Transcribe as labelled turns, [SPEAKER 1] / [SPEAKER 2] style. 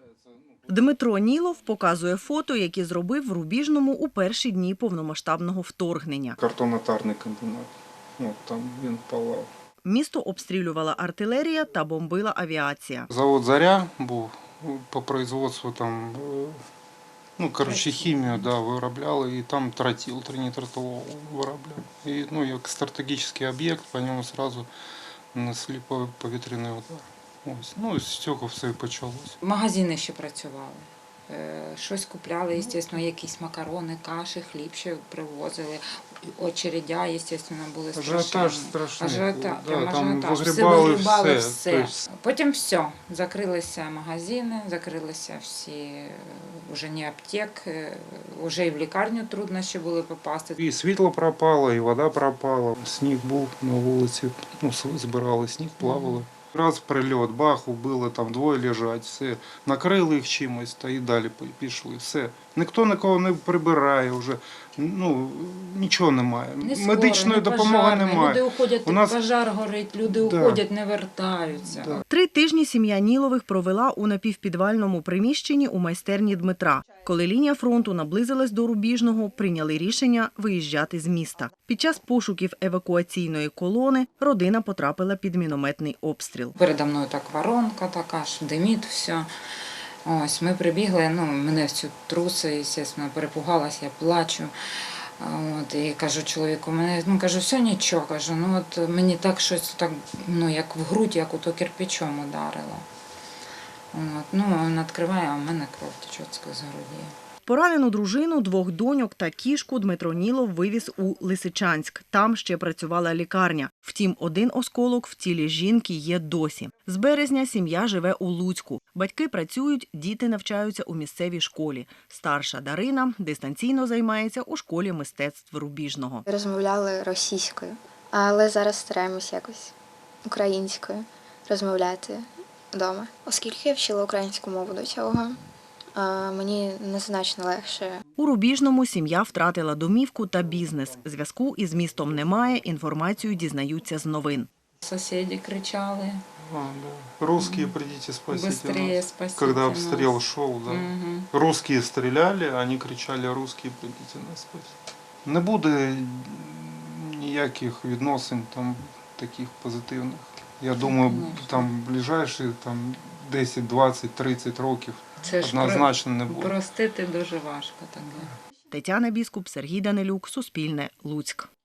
[SPEAKER 1] Дмитро Нілов показує фото, які зробив в Рубіжному у перші дні повномасштабного вторгнення.
[SPEAKER 2] Картонно-тарний комбінат. Там він палав.
[SPEAKER 1] Місто обстрілювала артилерія та бомбила авіація.
[SPEAKER 2] Завод «Заря» був по производству хімію виробляли, і там тротил, тринітротилол виробляли. І як стратегічний об'єкт, по ньому одразу нанесли повітряний удар. З цього все і почалося.
[SPEAKER 3] Магазини ще працювали. Щось купляли, звісно, якісь макарони, каші, хліб ще привозили. Очередя, звісно, були страшні.
[SPEAKER 2] Ажіотаж страшний.
[SPEAKER 3] Там
[SPEAKER 2] все
[SPEAKER 3] вигрібали все. Потім все. Закрилися магазини, закрилися всі, вже не аптек, вже і в лікарню трудно ще було попасти.
[SPEAKER 2] І світло пропало, і вода пропала. Сніг був на вулиці, збирали сніг, плавали. Раз прильот, бах, убили, там двоє лежать, все. Накрили їх чимось та і далі пішли, все. Ніхто нікого не прибирає вже, нічого немає. Медичної допомоги немає.
[SPEAKER 3] Люди уходять, пожар горить, люди уходять, не вертаються.
[SPEAKER 1] 3 тижні сім'я Нілових провела у напівпідвальному приміщенні у майстерні Дмитра. Коли лінія фронту наблизилась до Рубіжного, прийняли рішення виїжджати з міста. Під час пошуків евакуаційної колони родина потрапила під мінометний обстріл.
[SPEAKER 3] Передо мною так воронка така ж, димить все. Ось, ми прибігли, мене в цю труси, звісно, перепугалася, я плачу. І кажу чоловіку, кажу, все нічого, кажу, мені так щось, як в грудь, як ото кирпичом ударило. Він відкриває, а в мене кров тече з груді.
[SPEAKER 1] Поранену дружину, 2 доньок та кішку Дмитро Нілов вивіз у Лисичанськ. Там ще працювала лікарня. Втім, 1 осколок в тілі жінки є досі. З березня сім'я живе у Луцьку. Батьки працюють, діти навчаються у місцевій школі. Старша Дарина дистанційно займається у школі мистецтв Рубіжного.
[SPEAKER 4] Розмовляли російською, але зараз стараємось якось українською розмовляти вдома. Оскільки я вчила українську мову до цього, мені незначно легше.
[SPEAKER 1] У Рубіжному сім'я втратила домівку та бізнес. Зв'язку із містом немає, інформацію дізнаються з новин.
[SPEAKER 3] Сусіди кричали.
[SPEAKER 2] Русские, придите, спасите
[SPEAKER 3] Быстрее
[SPEAKER 2] нас.
[SPEAKER 3] спасите
[SPEAKER 2] Когда
[SPEAKER 3] нас.
[SPEAKER 2] обстрел шел, Русские стреляли, они кричали, русские, придите нас спасти. Не буде ніяких відносин таких позитивних. Я думаю, ближайші 10, 20, 30 років однозначно не буде.
[SPEAKER 3] Простити дуже важко таке.
[SPEAKER 1] Тетяна Біскуп, Сергій Данилюк, Суспільне, Луцьк.